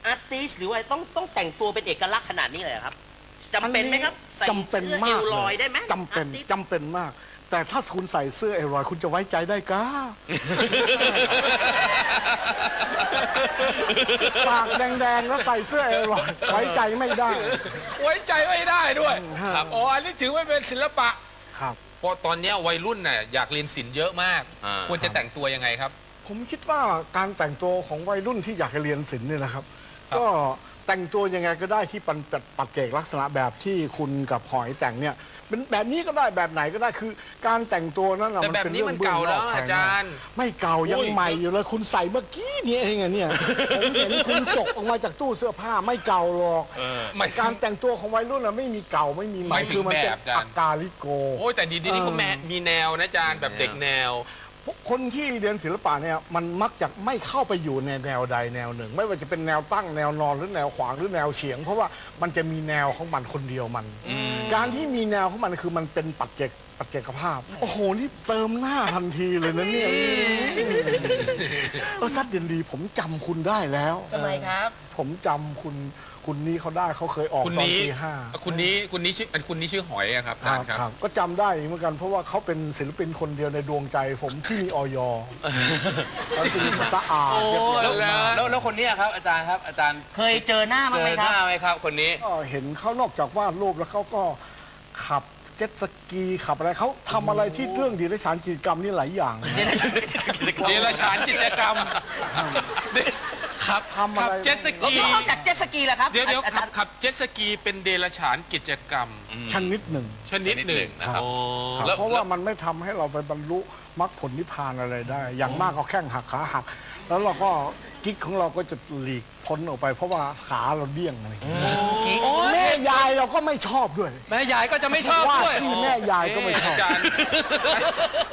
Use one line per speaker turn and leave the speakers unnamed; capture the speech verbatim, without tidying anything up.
อาร์ติสหรือว่าต้องต้องแต่งตัวเป็นเอกลักษณ์ขนาดนี้เลยครับจำเป็นไหมครับใส่
จำเป็น
สื้อ
มา
เอก วลอยได้ไหม
จำเป็น
อาร์ติส
จำเป็นมาก แต่ถ้าคุณใส่เสื้อเอวลอยคุณจะไว้ใจได้ก้า ปากแดงๆแล้วใส่เสื้อเอวลอยไว้ใจไม่ได้
ไว้ใจไม่ได้ด้วย
ครับ
อ๋ออันนี้ถือว่าเป็นศิลปะ
ครับ
เพราะตอนนี้วัยรุ่นน่ะอยากเรียนศิลป์เยอะมาก
อ่า
ควรจะแต่งตัวยังไงครับ
ผมคิดว่าการแต่งตัวของวัยรุ่นที่อยากจะเรียนศิลป์เนี่ยนะครับ
ครับ
ก็แต่งตัวยังไงก็ได้ที่ปันปัจเจกลักษณะแบบที่คุณกับหอยแต่งเนี่ยเป็นแบบนี้ก็ได้แบบไหนก็ได้คือ การแต่งตัวนั้นน่ะ
แต่
มัน
แบบ
เป็น
นี้
เรื่อง
มันเก่าแล้ว
บื้งนก
อา
ภยนก
จารย์
ไม่เก่ายัง
โอ้ย
ใหม่อยู่เลยคุณใส่เมื่อกี้นี่เองอะเนี่ย ผมเห็นคุณจกออกมาจากตู้เสื้อผ้าไม่เก่าหรอก
หมาย
การแต่งตัวของวัยรุ่นน่ะไม่มีเก่าไม่มีใหม่
หมายถึง
คือมันเป็น
แบบอาจารย์
อักกาลิโก
โอ้ยแต่ดีดีนี่เขาแม่มีแนวนะอาจารย์แบบเด็กแนว
คนที่เรียนศิลปะเนี่ยมันมักจะไม่เข้าไปอยู่ในแนวใดแนวหนึ่ง ไม่ว่าจะเป็นแนวตั้งแนวนอนหรือแนวขวางหรือแนวเฉียง เพราะว่ามันจะมีแนวของมันคนเดียวมัน การที่มีแนวของมันคือมันเป็นปัจเจกปัจเจกภาพ โอ้โหนี่เติมหน้าทันทีเลยนะเนี่ยเออซัดเดนดีผมจำคุณได้แล้ว
ทำไมครับ
ผมจำคุณคุณนี้เขาได้เขาเคยออก
คุณ
ตอน
นี้
ปีห้า
คุณนี้คุณนี้ชื่อคุณนี้ชื่อหอยอะครับอา
ค
จา
รั
ร
บ
ย์ครับ
ครับก็จำได้เหมือนกัน เพราะว่าเขาเป็นศิลปินคนเดียวในดวงใจ ผมที่มีออยแล้วคือสะอาดเรียบร้อย
แล้ว
มาก
แล้วแล้วคนนี้ครับอาจารย์ครับอาจารย์
เคยเจอหน้ามั้าง
เจ
ไหม
อ
ค
ห
รับ
น้าไหมครับคนนี้
ก็เห็นเขานอกจากวาดรูปแล้วเขาก็ขับเจ็ตสกีขับอะไรเขาทำอะไรที่เรื่องดีและฉานกิจกรรมนี่หลายอย่าง
เดรัจฉานกิจกรรมครับ
ทำอะไร
ขับเจ็ตส
แล้ว
กี
นอกจากเจ็ตสกีล่ะครับ
เดี๋ยวเดี๋ยว
อา
ขั
จา
บ
รย์
ขับเจ็ตสกีเป็นเดรัจฉานกิจกรรม
ชนิดหนึ่ง
ชนิดหนึ่งนะครับ
ครับ
แล้ว
เพราะว่ามันไม่ทำให้เราไปบรรลุมรรคผลนิพพานอะไรได้ อย่างมากก็แข้งหักขาหัก แล้วเราก็กิ๊กของเราก็จะหลีกพ้นออกไป เพราะว่าขาเราเดี้ยงอะไรอย่างเงี้ย
โอ้ย
แม่ยายเราก็ไม่ชอบด้วย
แม่ยายก็จะไม่ชอบ
ว่า
ด้วย
ที่แม่ยายก็ไม่ชอบ
เะอาจารย์